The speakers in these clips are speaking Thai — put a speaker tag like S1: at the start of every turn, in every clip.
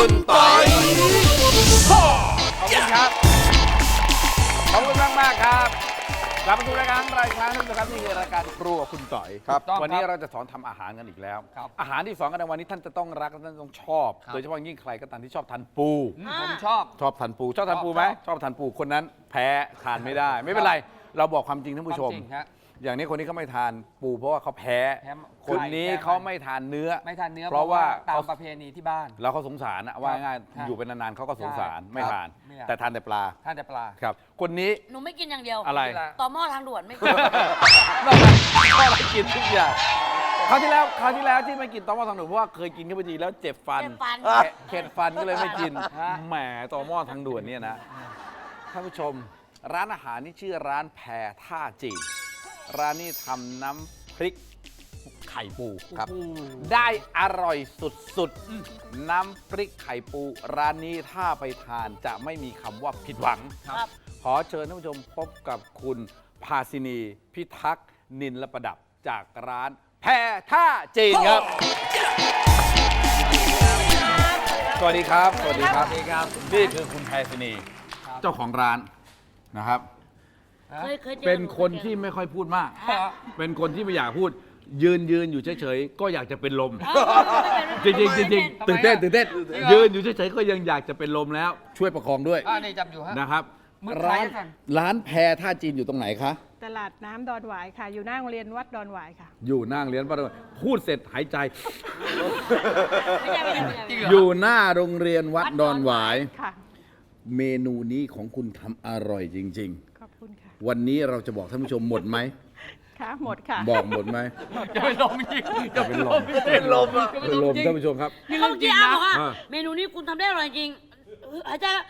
S1: คุณปอย
S2: ขอบคุณครับ ขอบคุณมากครับกลับมาสู่รายการรายการนึงนะครับนี่คือรายการครัวคุณต่อย
S1: ครับ
S2: วันนี้เราจะสอนทำอาหารกันอีกแล้ว อาหารที่สอนกันในวันนี้ท่านจะต้องรักและท่านต้องชอบ โดยเฉพาะยิ่งใครก็ตามที่ชอบทานปู
S3: ผมชอบ
S2: ชอบทานปูชอบทานปูไหมชอบทานปูคนนั้นแพ้ทานไม่ได้ ไม่เป็นไร เราบอกความจริงท่านผู้ชม
S3: ความจริงฮะ
S2: อย่างนี้คนนี้เขาไม่ทานปูเพราะว่าเขาแพ้
S3: แพ้
S2: คนนี้
S3: แพ้
S2: เขาไม่ทานเนื้อ
S3: ไม่ทานเนื้อ
S2: เพราะว่า
S3: ตาม
S2: เขา
S3: ประเพณีที่บ้าน
S2: เราเขาสงสารนะว่าง่าย
S3: ครับ
S2: อยู่เป็นนานๆเขาก็สงสาร
S3: ใช่
S2: ไม่ทาน
S3: ไม่อยาก
S2: แต่ทานแต่ปลา
S3: ทานแต่ปลา
S2: ครับ คนนี้
S4: หนูไม่กินอย่างเดียว
S2: อะไร
S4: ต่อหม้อทางด่วนไม่กิน
S2: นอกจากก็อะไรกินทุกอย่างคราวที่แล้วที่ไม่กินตอหม้อทางด่วนเพราะว่าเคยกินเข้าไปทีแล้วเจ็บฟัน
S4: เจ็บฟัน
S2: เข็ดฟันก็เลยไม่กิน
S3: ฮะ
S2: แหมตอหม้อทางด่วนเนี่ยนะท่านผู้ชม ร้านอาหารนี่ชื่อร้านแพรท่าจีนร้านนี้ทำน้ำพริกไข่ปูครับ ได้อร่อยสุดๆ น้ำพริกไข่ปูร้านนี้ถ้าไปทานจะไม่มีคำว่าผิดหวัง
S4: ครับ
S2: ขอเชิญท่านผู้ชมพบกับคุณภาสินีพิทักษ์นินและประดับจากร้านแพรท่าจีนครับ สวัสดีครับ สวัสดีครับ นี่คือคุณแพรสินีเจ้าของร้านนะครับ
S4: เคยเจอ
S2: เป็นคน
S4: หจอ
S2: ที่ไม่ค่อยพูดมาก
S4: อ่ะ
S2: เป็นคนที่ไม่อยากพูด ยืนอยู่เฉยๆ ก็อยากจะเป็นลม จ
S4: ไม่
S2: ริง
S4: เป็น
S2: ๆจริงๆตื่นเต้น
S3: จริงเหรอ
S2: ยืนอยู่เฉยๆ ก็ยังอยากจะเป็นลมแล้ว ช่วยประคองด้วย
S3: นี่จำอยู่ฮะ
S2: นะครับ
S3: มือใคร
S2: ร้าน
S3: กัน
S2: ร้านแพรท่าจีนอยู่ตรงไหนคะ
S5: ตลาดน้ำดอนหวายค่ะ อยู่หน้าโรงเรียนวัดดอนหวายค่ะ
S2: อยู่หน้าโรงเรียนวัดพูดเสร็จหายใจ
S4: ไม่ใช่
S3: จริงเหร
S2: อยู่หน้าโรงเรียนวัดดอนหวาย
S5: ค่ะ
S2: เมนูนี้ของคุณทำอร่อยจริง
S5: ขอบคุณค่ะ
S2: ๆ วันนี้เราจะบอกท่านผู้ชมหมดไหม
S5: ค่ะ หมดค่ะ
S2: บอกหมดไหม
S3: จะเป็นลมจริง
S2: จะเป็นลม
S3: เป็นลมอ่ะ
S2: เป็นลมท่านผู้ชมครับ
S4: นี่เขาเมื่อกี้อาบอกว่า
S2: อ่า
S4: เมนูนี้คุณทำได้อร่อยจริงหายใจแล้ว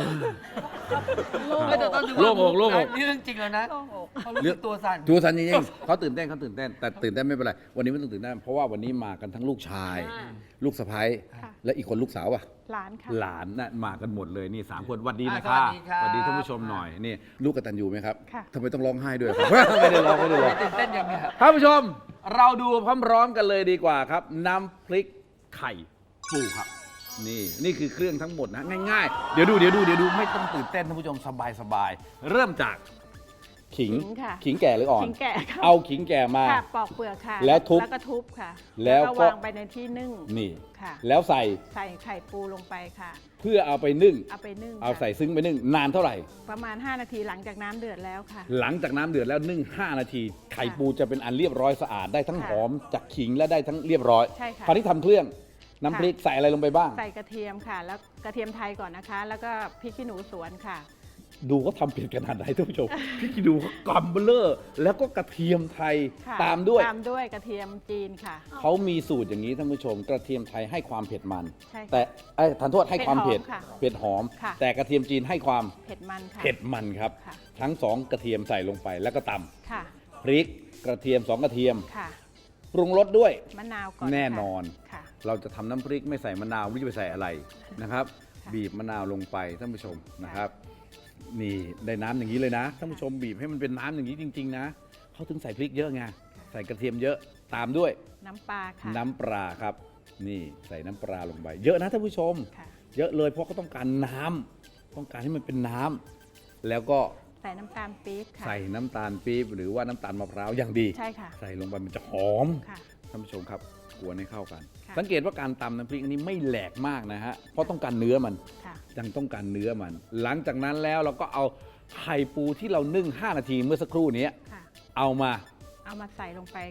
S2: โล่งอกโล่งอก
S3: นี่เรื่องจริงแล้วนะ
S5: โล่งอก
S3: เขารู้สึกตัวสั่น
S2: ดูสันจริงๆเขาตื่นเต้นแต่ตื่นเต้นไม่เป็นไร วันนี้ไม่ต้องตื่นเต้นเพราะว่าวันนี้มากันทั้งลูกชาย ลูกสะใภ้
S5: ค่ะ
S2: และอีกคนลูกสาวอ่ะ
S5: หลานค่ะ
S2: หลานน่ะมากันหมดเลยนี่3 คนหวัดดีนะ
S3: ส
S2: คะ
S3: วัสดีครับ
S2: หวัดดีท่านผู้ชมหน่อยนี่ลูกกตัญญูไหมครับ
S5: ค่ะ
S2: ทำไมต้องร้องไห้ด้วยครับ ไม่ได้ร้องไม่ได้ร้อง
S3: ตื่นเต้นอย่างเงี้ย
S2: ท่านผู้ชมเราดูพร้อมๆกันเลยดีกว่าครับ น้ำพริกไข่ปูครับ นี่คือเครื่องทั้งหมดนะง่ายๆ เดี๋ยวดูไม่ต้องตื่นเต้นท่านผู้ชมสบายๆเริ่มจากขิง
S5: ขิงค่ะ
S2: ขิงแก่หรืออ่อน
S5: ขิงแก่ค่ะ
S2: เอาขิงแก่มา
S5: ค่ะ ปอกเปลือกค่ะ
S2: แล้วทุบ
S5: แล้วก็ทุบค่ะ
S2: แล้วก็
S5: วางไปในที่นึ่ง
S2: นี่
S5: ค่ะ
S2: แล้วใส่
S5: ใส่ไข่ปูลงไปค่ะ
S2: เพื่อเอาไปนึ่ง
S5: เอาไปนึ่ง
S2: เอา
S5: ค่ะ
S2: ใส่ซึ้งไปนึ่งนานเท่าไหร่
S5: ประมาณ 5 นาทีหลังจากน้ำเดือดแล้วค่ะ
S2: หลังจากน้ำเดือดแล้วนึ่ง5 นาที ไข่ปูจะเป็นอันเรียบร้อยสะอาดได้ทั้ง
S5: ค่ะ
S2: หอมจากขิงและได้ทั้งเรียบร้อย
S5: ใช่ค่ะ
S2: คราวนี้ทำเครื่องน้ำพริกใส่อะไรลงไปบ้าง
S5: ใส่กระเทียมค่ะ แล้วกระเทียมไทยก่อนนะคะ แล้วก็พริกขี้หนูสวนค่ะ
S2: ดูเขาทำเผ็ดขนาดไหนท่านผู้ชม พี่คิดดูเขากำเบลอแล้วก็กระเทียมไทย
S5: ค่ะ
S2: ตามด้วย
S5: ตามด้วยกระเทียมจีนค่ะ
S2: เขามีสูตรอย่างนี้ท่านผู้ชม กระเทียมไทยให้ความเผ็ดมัน
S5: ใช่ค่ะ
S2: แต่ทานโทษให้ความเผ็ด
S5: เผ็ดหอมค่ะ
S2: เผ็ดหอม
S5: ค่ะ
S2: แต่กระเทียมจีนให้ความ
S5: เผ็ดมันค่ะ
S2: เผ็ดมันครับ
S5: ค่ะ
S2: ทั้งสองกระเทียมใส่ลงไปแล้วก็ต
S5: ค่ะ
S2: ำพริกกระเทียม2 กระเทียม
S5: ค่ะ
S2: ปรุงรสด้วย
S5: มะนาวก่อน
S2: แน่นอน
S5: ค่ะ
S2: เราจะทำน้ำพริกไม่ใส่มะนาวไม่รู้จะไปใส่อะไรนะครับ
S5: ค่ะ
S2: บีบมะนาวลงไปท่านผู้ชมนะครับ นี่ได้น้ำอย่างนี้เลยนะท่านผู้ชมบีบให้มันเป็นน้ำอย่างนี้จริง ๆ นะเขาถึงใส่พริกเยอะไงใส่กระเทียมเยอะตามด้วย
S5: น้ำปลาค่ะ
S2: น้ำปลาครับ นี่ใส่น้ำปลาลงไป เยอะนะท่านผู้ชม
S5: ค่ะ
S2: เยอะเลยเพราะเขาต้องการน้ำต้องการให้มันเป็นน้ำแล้วก็
S5: ใส่น้ำตาลปี๊บค่ะ
S2: ใส่น้ำตาลปี๊บหรือว่าน้ำตาลมะพร้าวอย่างดี
S5: ใช่ค่ะ
S2: ใส่ลงไปมันจะหอม
S5: ค่ะ
S2: ท่านผู้ชมครับกวนให้เข้ากัน
S5: ค่ะ
S2: สังเกตว่าการตำน้ำพริกอันนี้ไม่แหลกมากนะฮะเพราะต้องการเนื้อมัน
S5: ค่ะ
S2: ยังต้องการเนื้อมัน หลังจากนั้นแล้วเราก็เอาไข่ปูที่เรานึ่ง5 นาทีเมื่อสักครู่นี้
S5: ค่ะ
S2: เอามา
S5: เอามาใส่ลงไป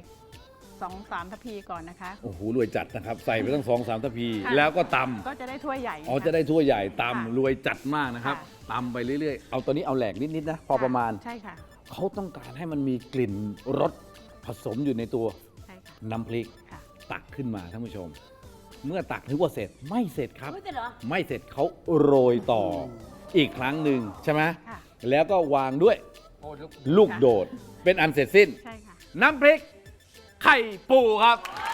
S5: 2-3 ทัพพีก่อนนะคะ
S2: โอ้โหรวยจัดนะครับ ใส่ไปตั้ง2-3 ทัพพี
S5: ค่ะ
S2: แล้วก็ต
S5: ก็จะได้ถ้วยใหญ่
S2: ำอ๋อจะได้ถ้วยใหญ่
S5: ค่ะ
S2: ตำรวยจัดมากนะครับ
S5: ค่ะ
S2: ตำไปเรื่อยๆเอาตัวนี้เอาแหลกนิดๆนะพอประมาณ
S5: ใช่ค่ะ
S2: เขาต้องการให้มันมีกลิ่นรสผสมอยู่ในตัว
S5: ใช่ค่ะ
S2: น้ำพริก
S5: ค่ะ
S2: ตักขึ้นมาท่านผู้ชม เมื่อตักนึกว่าเสร็จไม่เสร็จครับ
S4: ไม่เสร็จเหรอ
S2: ไม่เสร็จเขาโรยต่ออีกครั้งหนึ่งใช่ไหม
S5: ค่ะ
S2: แล้วก็วางด้วย
S3: โอ้ลูก
S2: ลูกโดดเป็นอันเสร็จสิ้น
S5: ใช่ค่ะ
S2: น้ำพริก ไข่ปูครับ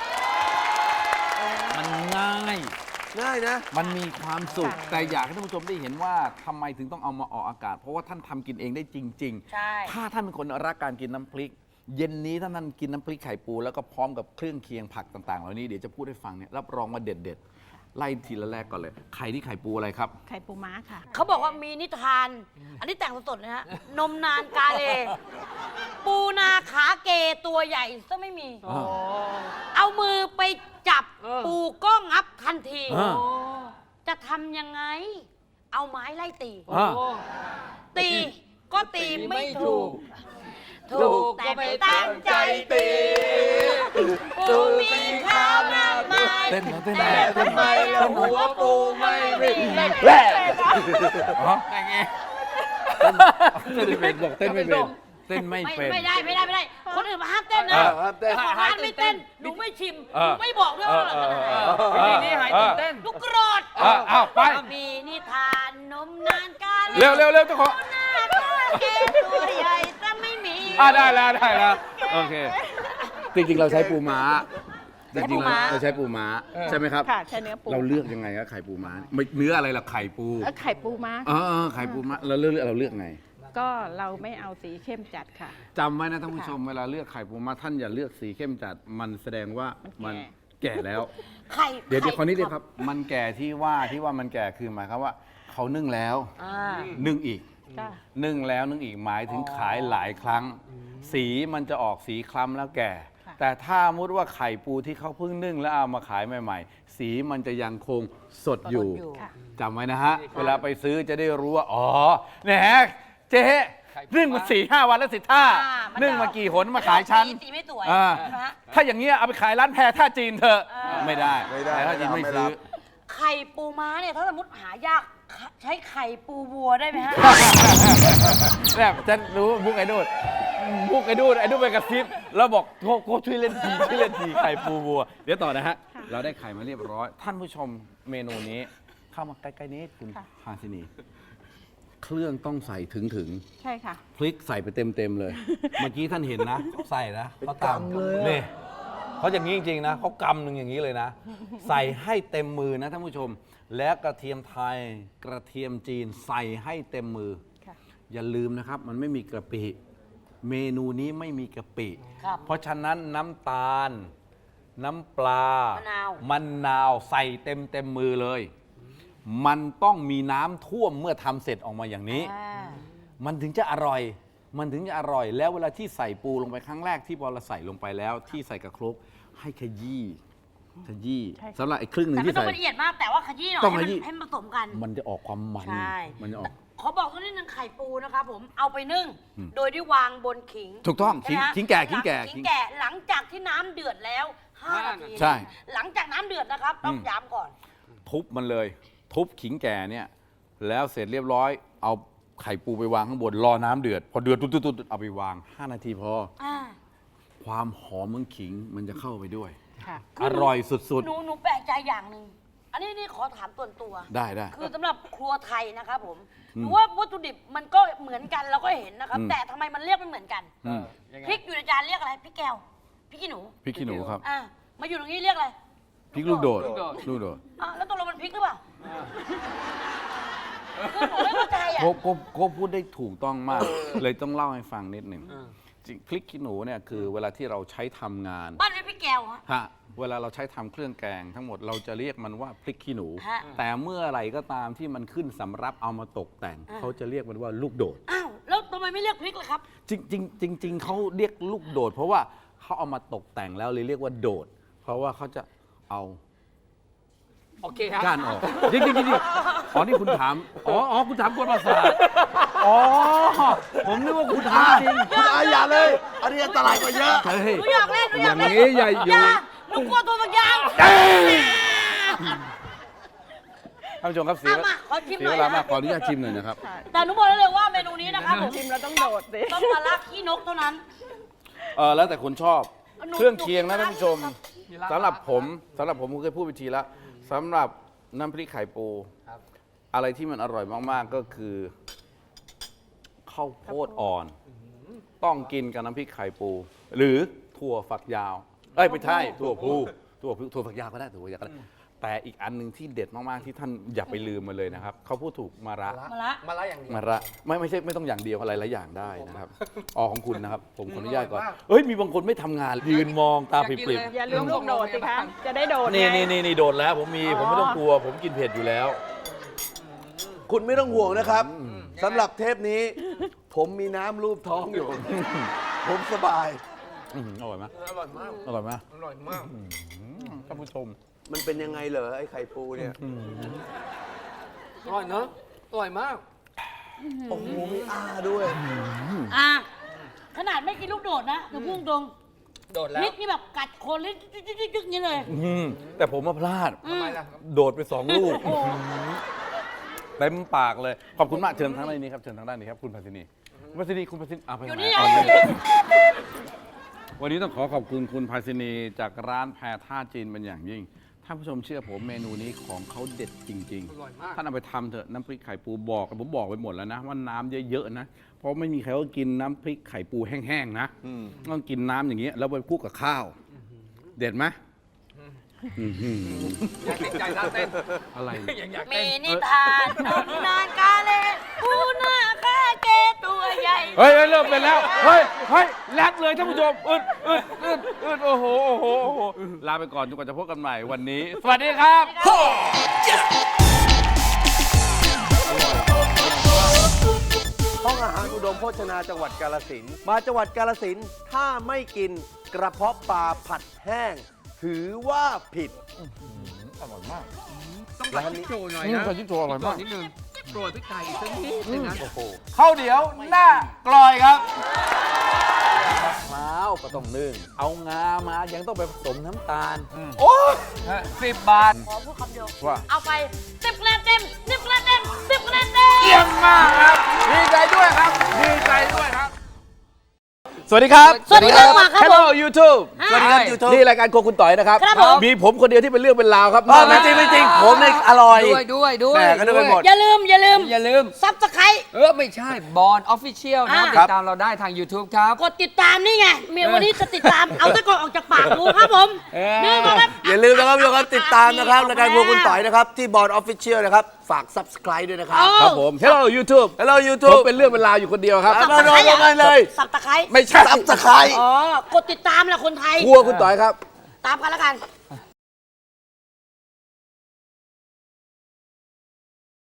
S2: มันง่าย
S1: ง่ายนะ
S2: มันมีความสุข
S5: ค่ะ
S2: แต่อยากให้ท่านผู้ชมได้เห็นว่าทำไมถึงต้องเอามาออกอากาศ เพราะว่าท่านทำกินเองได้จริง
S4: ใช่
S2: ถ้าท่านเป็นคนรักการกินน้ำพริก เย็นนี้ถ้าท่านกินน้ำพริกไข่ปูแล้วก็พร้อมกับเครื่องเคียงผักต่างๆเหล่านี้เดี๋ยวจะพูดให้ฟังเนี่ยรับรองว่าเด็ดไล่ทีละแรกก่อนเลยไข่ที่ไข่ปูอะไรครับ
S5: ไข่ปูม้าค่ะ
S4: เขาบอกว่ามีนิทาน อันนี้แต่งสดๆนะฮะ นมนานกาเล ปูนาขาเกตัวใหญ่ซะไม่มี
S2: อ่า
S4: เอามือไปจับ ปูก็งับทันที
S2: อ่า
S4: จะทำยังไง เอาไม้ไล่ตี
S2: อ่า
S4: ตีก็ตีไม่ถูก
S3: ถู
S4: ถู
S3: ก
S4: กแต่
S3: ก็ไม่
S4: ไม่
S3: ตั้
S4: ตั้
S3: ง
S4: ง
S3: ใจ
S4: ใจ
S3: ตี
S4: ปูมีข้าวมากมาย
S2: เต้นนะเต้น
S4: แต่
S2: นะ
S4: ทำไม
S3: แล้วหัวปูไม่วิ่ง
S2: แร่อ๋อเต้นไม่เป็นบอกเต้นไม่เป็นเต้นไม่เป็น
S4: ไม่ได้ไม่ได้ คนอื่นมาห้ามเต้นนะ
S2: ห้ามเต้น
S4: เจ้าของร้านไม่เต้น หนูไม่ชิม ห
S2: เออ
S4: นูไม่บอกด้วยว่าอร่อยขนาดไหน
S3: วิธีนี้หายตื่นเต้น
S4: ลูกโกรธ
S2: อ้าวไป
S4: มีนิทานนมนานกาล
S2: เร็วเจ้าของ
S4: หน้าตาเกตัวใหญ่จะไม่มี
S2: ได้แล้วโอเค จริงๆเราใช้ปูม้าจริงๆเราใช้ปูม้าใช่ไหมครับ
S5: ค่ะ ใช้เนื้อปู
S2: เราเลือกยังไงครับไข่ปูม้าไม่เนื้ออะไรล่ะไข่ปู
S5: ไข่ปูม้า
S2: ไข่ปูม้าเราเลือกไง
S5: ก็เราไม่เอาสีเข้มจัดค่ะ
S2: จำไว้นะท่านผู้ชมเวลาเลือกไข่ปูม้าท่านอย่าเลือกสีเข้มจัดมันแสดงว่ามันแก่แล้ว
S4: ไข่
S2: เดี๋ยวขอนิดเดียวครับ มันแก่ที่ว่ามันแก่คือหมายความว่าเขานึ่งแล้ว
S4: อ่า
S2: นึ่งอีก
S5: จ้ะ
S2: นึ่งแล้วนึ่งอีกหมายถึงขายหลายครั้ง สีมันจะออกสีคล้ำแล้วแก่
S5: ค่ะ
S2: แต่ถ้ามุดว่าไข่ปูที่เขาเพิ่งนึ่งแล้วเอามาขายใหม่ๆ สีมันจะยังคงสดอยู่
S5: ค่ะ
S2: จำไว้นะฮะ เวลาไปซื้อจะได้รู้ว่า อ๋อแหนเจ๊นึ่งมา4-5 วันแล้วสิท่านึ่งมากี่หนมาขายชั้น
S4: สีไม่สวย
S2: อ่า
S4: ใช่ไหมฮะ
S2: ถ้าอย่างเงี้ยเอาไปขายร้านแพรท่าจีนเถอะไม่ได้
S1: ไม่ได้
S2: แพรท่าจีนไม่
S1: ไม่
S2: ซื้
S1: รั
S2: อ
S1: บ
S4: ไข่ปูม้าเนี่ยถ้าสมมติหายากใช้ไข่ปูวัวได้ไหมฮะ
S2: แบบฉันรู้มุกไอ้ดูดไอ้ดูดไปกระซิบแล้วบอกโก้ช่วยเล่นทีไข่ปูวัว เดี๋ยวต่อนะฮะ เราได้ไข่มาเรียบร้อย ท่านผู้ชมเมนูนี้ เข้ามาใกล้ๆนี้คุณ
S5: ค่ะ
S2: ฮาซินี เครื่องต้องใส่ถึง
S5: ใช่ค่ะ
S2: พริกใส่ไปเต็มเลย เมื่อกี้ท่านเห็นนะเขาใส่นะเขาตำ
S1: เลยอะ
S2: นี่เขาอย่างนี้จริงๆนะเขากำหนึ่งอย่างนี้เลยนะ ใส่ให้เต็มมือนะท่านผู้ชม และกระเทียมไทยกระเทียมจีนใส่ให้เต็มมือ
S5: ค่ะ
S2: อย่าลืมนะครับ มันไม่มีกะปิ เมนูนี้ไม่มีกะปิ
S4: ครับ
S2: เพราะฉะนั้นน้ำตาล น้ำปลา
S4: มะนาว
S2: มะนาวใส่เต็มมือเลย มันต้องมีน้ำท่วมเมื่อทำเสร็จออกมาอย่างนี้
S4: อ่า
S2: มันถึงจะอร่อย มันถึงจะอร่อย แล้วเวลาที่ใส่ปูลงไปครั้งแรกที่พอเราใส่ลงไปแล้ว ที่ใส่กระครกให้ขยี้
S5: ใช่ค่ะ
S2: สำหรับไอ้ครึ่งหนึ่ง
S4: แต่ไม่
S2: ที่
S4: ต้อง
S2: ใส่
S4: ละเอียดมากแต่ว่าขยี้หน่อย
S2: ต้อง
S4: ให้
S2: ขยี้
S4: มันให้มันผสมกัน
S2: มันจะออกความมัน
S4: ใช่
S2: มันจะออก
S4: ขอบอกสักนิดนึงไข่ปูนะครับผมเอาไปนึ่ง
S2: อืม
S4: โดยที่วางบนขิง
S2: ถูกต้อง
S4: ใช่ไหมฮะ
S2: ขิงแก่
S4: ขิงแก่หลังจากที่น้ำเดือดแล้ว5 นาที
S2: ใช่
S4: หลังจากน้ำเดือดนะครับต้องย้ำก่อน
S2: ทุบมันเลย ทุบขิงแก่เนี่ย แล้วเสร็จเรียบร้อย เอาไข่ปูไปวางข้างบนรอน้ำเดือด พอเดือดตุ๊ดๆเอาไปวาง 5 นาทีพอ
S4: อ่า
S2: ความหอมของขิงมันจะเข้าไปด้วย
S5: ค่ะ
S2: อร่อยสุด
S4: หนูแปลกใจอย่างหนึ่งอันนี้ขอถามส่วนตัว
S2: ๆ ได้
S4: คือสำหรับครัวไทยนะครับผม
S2: อืม
S4: หนูว่าวัตถุดิบมันก็เหมือนกันเราก็เห็นนะครับ
S2: อืม
S4: แต่ทำไมมันเรียกไม่เหมือนกัน
S2: อืม
S4: พริกอยู่ในจานเรียกอะไรพริกแก้วพริกขี้หนู
S2: พริกขี้หนูครับ
S4: อ่ามาอยู่ตรงนี้เรียกอะไร
S2: พริกลูกโดด
S3: ลูกโดด
S2: ลูกโดด
S4: อ่ะแล้วตกลงมันพริกหรือเปล่าคือหนูไม่เข้าใจอ่ะ
S2: โก็พูดได้ถูกต้องมาก เลยต้องเล่าให้ฟังนิดหนึ่งจริงพริกขี้หนูเนี่ยคือเวลาที่เราใช้ทำงาน
S4: บ้านเป็นพริกแก้วฮะ
S2: ฮะเวลาเราใช้ทำเครื่องแกงทั้งหมดเราจะเรียกมันว่าพริกขี้หนู
S4: ฮะ
S2: แต่เมื่อไหร่ก็ตามที่มันขึ้นสำรับเอามาตกแต่ง
S4: อ่า
S2: เขาจะเรียกมันว่าลูกโดด
S4: อ้าวแล้วทำไมไม่เรียกพริกล่ะครับ
S2: จริงเขาเรียกลูกโดด เพราะว่าเขาเอามาตกแต่งแล้วเลยเรียกว่าโดด เพราะว่าเขาจะเอา
S3: โอเคครับ
S2: ก้านออกจริงอ๋อนี่คุณถามอ๋อคุณถามกวนประสาทอ๋อผมนึกว่าคุณถามจริง
S1: คุณอาอย่าเลย อันนี้อันตรายกว่าเยอะ
S2: เฮ้ย
S4: หนูอยากเล่นหนูอยาก
S2: อย่าง
S4: เล่น
S2: นี้อย่าอยู่
S4: หนูกลัวตัวบางอย่าง
S2: ท่านผู้ชมครับเสีย
S4: เอามาขอชิมห
S2: เสีย
S4: น่อ
S2: เวย ลา
S4: นะ
S2: มากขออนุญาตชิมหน่อยนะครับ
S4: แต่หนูบอกได้เลยว่าเมนูนี้นะครับผม
S5: ชิมแล้วต้องโดดสิ
S4: ต้องมาลักขี้นกเท่านั้น
S2: แล้วแต่คนชอบ
S4: หนู
S2: เครื่องเคียงนะท่านผู้ชม
S3: มีลาบ
S2: สำหรับผมผมเคยพูดไปทีแล้วสำหรับน้ำพริกไข่ปู
S3: ครับ
S2: อะไรที่มันอร่อยมากๆก็คือข้าวโพดอ่อน ต้องกินกับน้ำพริกไข่ปู หรือถั่วฝักยาวไม่ใช่ถั่วพลูถั่วฝักยาวก็ได้ถั่วฝักยาวก็ได้แต่อีกอันหนึ่งที่เด็ดมากๆที่ท่านอย่าไปลืมมาเลยนะครับเขาพูดถูกมาระ
S4: มาละ
S3: มาละอย่างเดียว
S2: มาระไม่ใช่ไม่ต้องอย่างเดียวอะไรหลายอย่างได้นะครับของคุณนะครับผมขออนุญาตก่อน
S3: อร่อยมาก
S2: เอ้ยมีบางคนไม่ทำงานยืนมองตาปริบ
S5: อย่าลืมลูกโดดสิคะจะได้โดด
S2: ๆนี่
S5: ไง
S2: นี่โดนแล้วผมไม่ต้องกลัว ผมกินเผ็ดอยู่แล้ว
S1: คุณไม่ต้องห่วงนะครับสำหรับเทปนี้ ผมมีน้ำรูปท้องอยู่ ผมสบาย
S2: อร่อยไหม
S3: อร่อยมาก
S2: อร่อยไหม
S3: อร่อยมาก
S2: ท่านผู้ชม
S1: มันเป็นยังไงเหรอไอ้ไข่ปูเนี่ย
S3: อร่อยเนอะอร่อยมาก
S1: โอ้โหมีอาด้วย
S4: อ่ะขนาดไม่กินลูกโดดนะหนูพุ่งตรง
S3: โดดแล้ว
S4: พริกนี่แบบกัดคนเลยจึ๊กๆๆนี่เลย
S2: แต่ผมมาพลาด
S3: ทำไมล่ะ
S2: โดดไป2 ลูกเต็มปากเลย ขอบคุณมากเชิญทางด้านนี้ครับเชิญทางด้านนี้ครับคุณภัสินีคุณภัสินีไป
S4: อยู่
S2: ไหน
S4: นี่
S2: อ๋อ
S4: ไง
S2: วันนี้ต้องขอบคุณคุณภัสินีจากร้านแพรท่าจีนเป็นอย่างยิ่งท่านผู้ชมเชื่อผมเมนูนี้ของเขาเด็ดจริง
S3: อร่อยมาก
S2: ท่านเอาไปทำเถอะน้ำพริกไข่ปูผมบอกไปหมดแล้วนะว่าน้ำเยอะๆนะเพราะไม่มีใครก็กินน้ำพริกไข่ปูแห้งๆนะต้องกินน้ำอย่างเงี้ยแล้วไปคลุกกับข้าว เด็ดไหมอื้อหือ
S3: อยากติดใจท่าเต้น
S2: อะไร
S3: ยังอยาก
S4: มี
S3: เต้น
S4: นิทานตำนานกาเลปูนาคาเกตัวใหญ่
S2: เฮ้ยเริ่มเป็นแล้วเฮ้ยแรดเลยท่านผู้ชมอึดโอ้โหลาไปก่อนจนกว่าจะพบกันใหม่วันนี้ สวัสดีครับ
S1: ห้องอาหารอุดมโภชนาจังหวัดกาฬสินธุ์มาจังหวัดกาฬสินธุ์ถ้าไม่กินกระเพาะปลาผัดแห้ง ถือว่าผิด
S2: อร่อยมาก
S3: ต้องผัดพริกโชว์หน่อย
S2: อืม
S3: นะ
S2: ผัดพริกโชว์อร่อยมาก
S3: นิดนึงโปรยพริกไทยอีกสักนิดนึงนะ
S2: ข้าวเดี๋ยวหน้ากลอยครับมะพร้าวก็ต้องนึ่งเอางามายังต้องไปผสมน้ำตาล โอ้ย
S3: 10 บาท
S4: ขอพูดคำเดียว
S2: ว่า
S4: เอาไป10คะแนนเต็ม10คะแนนเต็ม10คะแนนเต็ม
S2: เยี่ยมมากครับ ดีใจด้วยครับ ดีใจด้วยครับ สวัสดีครับ
S4: สวัสดีครับมาครับ
S2: Hello YouTube
S4: สวัสดีครับ
S1: YouTube
S2: นี่รายการโครัวคุณต่อยนะครับ
S4: ครับผม
S2: มีผมคนเดียวที่เป็นเรื่องเป็นราวครับ
S1: ไม่จริงไม่จริงผมเนี่ยอร่อย
S3: ด้วย
S1: แหม่ก็นึกไปหมด
S4: อย่าลืม
S3: อย่าลืม
S4: ซับสไคร
S3: ไม่ใช่บอลออฟฟิเชียลนะ
S4: อ่า
S3: ติดตามเราได้ทาง YouTube ครับ
S4: กดติดตามนี่ไงเมียวันนี้จะติดตาม เอาตะกอนออกจากปากกูครับผมนี่นะครับ
S1: อย่าลืมนะครับทุกคนติดตามนะครับรายการพวกคุณต่อยนะครับ ที่บอร์ดออฟฟิเชียลนะครับ ฝาก subscribe ด้วยนะครับ
S2: ครับผม Hello YouTube
S1: Hello
S2: ผม
S1: YouTube
S2: เป็นเรื่องเป็นราวอยู่คนเดียวครับ
S1: ครับ มาลงกันเลย
S4: สับตะไคร้
S2: ไม่ใช่
S1: subscribe
S4: อ๋อกดติดตามแหละคนไทย
S2: ครัวคุณต่อยครับ
S4: ตามกันแล้วกัน